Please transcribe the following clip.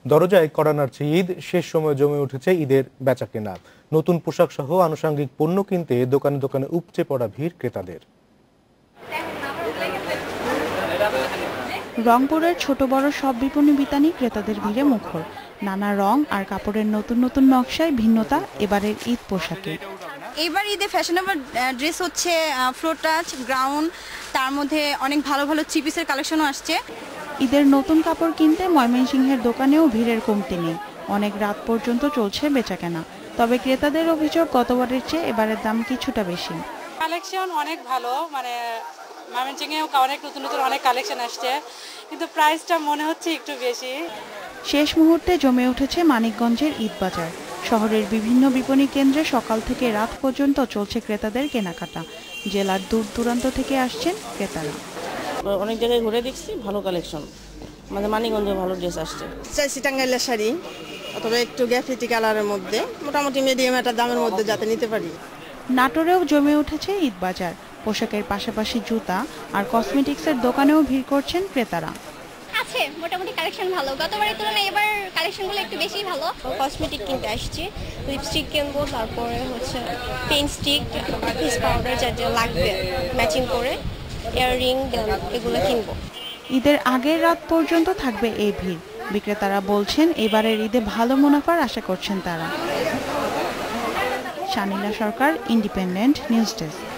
দরজায় কড়া নাড়ছে ঈদ, শেষ সময়ে জমে উঠেছে ঈদের বেচাকেনা। নতুন পোশাক সহ আনুষঙ্গিক পণ্য কিনতে দোকানে দোকানে উপচে পড়া ভিড় ক্রেতাদের। রংপুরের ছোট বড় সব বিপণী বিতানি ক্রেতাদের ভিড়ে মুখর। নানা রং আর কাপড়ের নতুন নতুন নকশায় ভিন্নতা এবারের ঈদ পোশাকে। এবার ঈদে ফ্যাশনেবল ড্রেস হচ্ছে ফ্লোর টাচ, গ্রাউন্ড, তার মধ্যে অনেক ভালো ভালো থ্রি পিসের কালেকশনও আসছে। ঈদের নতুন কাপড় কিনতে ময়মনসিংহের দোকানেও ভিড়ের কমতি নেই। অনেক রাত পর্যন্ত চলছে বেচাকেনা। তবে ক্রেতাদের অভিযোগ গতবারের চেয়ে এবারের দাম কিছুটা বেশি। কালেকশন অনেক ভালো, ময়মনসিংহেও অনেক নতুন নতুন অনেক কালেকশন আসছে, কিন্তু প্রাইসটা মনে হচ্ছে একটু বেশি। শেষ মুহূর্তে জমে উঠেছে মানিকগঞ্জের ঈদ বাজার। শহরের বিভিন্ন বিপণী কেন্দ্রে সকাল থেকে রাত পর্যন্ত চলছে ক্রেতাদের কেনাকাটা। জেলার দূর দূরান্ত থেকে আসছেন ক্রেতারা। অনেক জায়গায় ঘুরে দেখছি, ভালো কালেকশন, আমাদের মানিকগঞ্জে ভালো ড্রেস আসছে। চাইছি টাঙ্গাইলের শাড়ি অথবা একটু গ্যাফিটি কালারের মধ্যে, মোটামুটি মিডিয়াম একটা দামের মধ্যে যাতে নিতে পারি। নাটোরেও জমে উঠেছে ঈদ বাজার। পোশাকের পাশাপাশি জুতা আর কসমেটিক্সের দোকানেও ভিড় করছেন ক্রেতারা। আছে মোটামুটি কালেকশন ভালো, গতবারের তুলনায় এবার কালেকশনগুলো একটু বেশি ভালো। কসমেটিক কিনতে আসছি, লিপস্টিক কিনবো, তারপরে হচ্ছে পেন স্টিক, ফেস পাউডার যা যা লাগবে ম্যাচিং করে, ইয়াররিং এগুলো কিনবো। ঈদের আগের রাত পর্যন্ত থাকবে এই ভিড়। বিক্রেতারা বলছেন এবারের ঈদে ভালো মুনাফার আশা করছেন তারা। Shanila Sarkar, independent news desk.